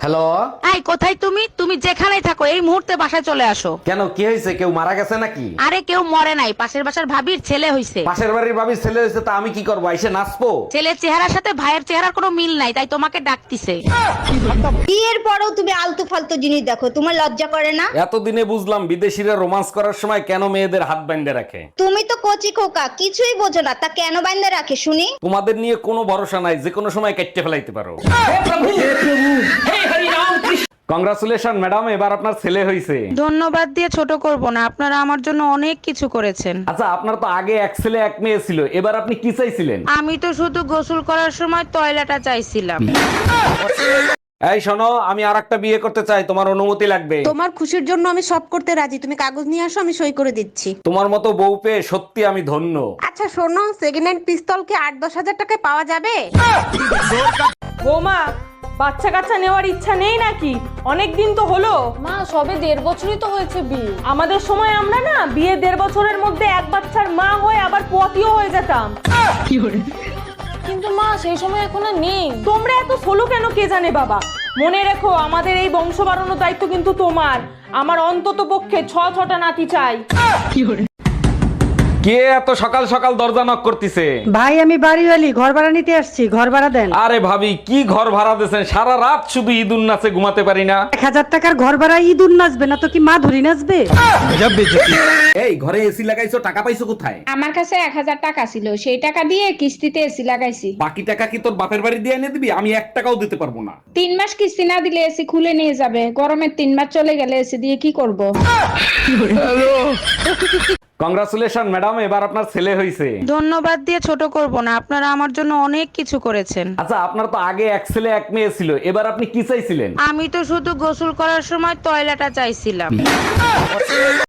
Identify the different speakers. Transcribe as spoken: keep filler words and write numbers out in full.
Speaker 1: Hello.
Speaker 2: এই কোথায় তুমি তুমি যেখানেই থাকো এই মুহূর্তে বাসায় চলে আসো।
Speaker 1: কেন, কি হয়েছে? কেউ মারা গেছে নাকি?
Speaker 2: আরে কেউ মরে নাই, পাশের বাসার ভাবির ছেলে হইছে।
Speaker 1: পাশের বাড়ির ভাবির ছেলে হয়েছে, তা আমি কি করবো? এসে নাচবো?
Speaker 2: ছেলের চেহারার সাথে ভাইয়ের চেহারার কোনো মিল নাই, তাই তোমাকে ডাকতিছে।
Speaker 3: বিয়ের পরেও তুমি আলতু ফালতু জিনিস দেখো, তোমার লজ্জা করে না?
Speaker 1: এতদিনে বুঝলাম বিদেশিরা রোমান্স করার সময় কেন মেয়েদের হাত বাইন্ধে রাখে।
Speaker 3: তুমি তো কচি খোকা, কিছুই বোঝো না, তা কেন বাইন্দা রাখে শুনি?
Speaker 1: তোমাদের নিয়ে কোনো ভরসা নাই, যে কোনো সময় কেটে ফেলাইতে পারো। কংগ্রাচুলেশন ম্যাডাম, এবার আপনার ছেলে হয়েছে।
Speaker 2: ধন্যবাদ দিয়ে ছোট করব না, আপনারা আমার জন্য অনেক কিছু করেছেন।
Speaker 1: আচ্ছা, আপনার তো আগে এক ছেলে এক মেয়ে ছিল, এবার আপনি কি চাইছিলেন?
Speaker 2: আমি তো শুধু গোসল করার সময় টয়লেটটা চাইছিলাম।
Speaker 1: এই শোনো, আমি আর একটা বিয়ে করতে চাই, তোমার অনুমতি লাগবে।
Speaker 4: তোমার খুশির জন্য আমি সব করতে রাজি, তুমি কাগজ নিয়ে আসো, আমি সই করে দিচ্ছি।
Speaker 1: তোমার মতো বউ পেয়ে সত্যি আমি ধন্য।
Speaker 4: আচ্ছা শোনো, সেকেন্ড হ্যান্ড পিস্তল কি আট দশ হাজার টাকায় পাওয়া যাবে?
Speaker 5: বৌমা, বাচ্চা কাচ্চা নেওয়ার ইচ্ছা নেই নাকি? অনেক দিন তো হলো।
Speaker 6: মা সবে দেড় বছরই তো হয়েছে বিয়ে।
Speaker 5: আমাদের সময় আমরা না বিয়ে দেড় বছরের মধ্যে এক বাচ্চার মা হয়ে আবার পতিও হয়ে যেতাম।
Speaker 6: কিন্তু মা সেই সময় এখন আর নেই।
Speaker 5: তোমরা এত সোলো কেন কে জানে বাবা। মনে রেখো, আমাদের এই বংশ বাড়ানোর দায়িত্ব কিন্তু তোমার। আমার অন্তত পক্ষে ছ ছটা নাতি চাই।
Speaker 1: কে এত সকাল সকাল দরজা নক করতেছে?
Speaker 7: ভাই আমি বাড়িওয়ালি, ঘর ভাড়া নিতে আসছি, ঘর ভাড়া দেন।
Speaker 1: আরে ভাবি, কি ঘর ভাড়া দিয়েছেন? সারা রাত শুধু ঈদুন নাচে ঘুমাতে পারি না।
Speaker 7: এক হাজার টাকার ঘর ভাড়া ইঁদুর নাচবে না তো কি মা ধরি নাচবে?
Speaker 1: এই ঘরে এসি লাগাইছো, টাকা পাইছো কোথায়?
Speaker 8: আমার কাছে এক হাজার টাকা ছিল, সেই টাকা দিয়ে কিস্তিতে এসি লাগাইছি।
Speaker 1: বাকি টাকা কি তোর বাপের বাড়ি দিয়ে এনে দিবি? আমি এক টাকাও দিতে পারবো না।
Speaker 8: তিন মাস কিস্তি না দিলে এসি খুলে নিয়ে যাবে। গরমের তিন মাস চলে গেলে এসি দিয়ে কি করব?
Speaker 1: কংগ্রাচুলেশন ম্যাডাম, এবার আপনার ছেলে হয়েছে।
Speaker 2: ধন্যবাদ দিয়ে ছোট করব না, আপনারা আমার জন্য অনেক কিছু করেছেন।
Speaker 1: আচ্ছা, আপনার তো আগে এক ছেলে এক মেয়ে ছিল, এবার আপনি কি চাইছিলেন?
Speaker 2: আমি তো শুধু গোসল করার সময় টয়লেটটা চাইছিলাম।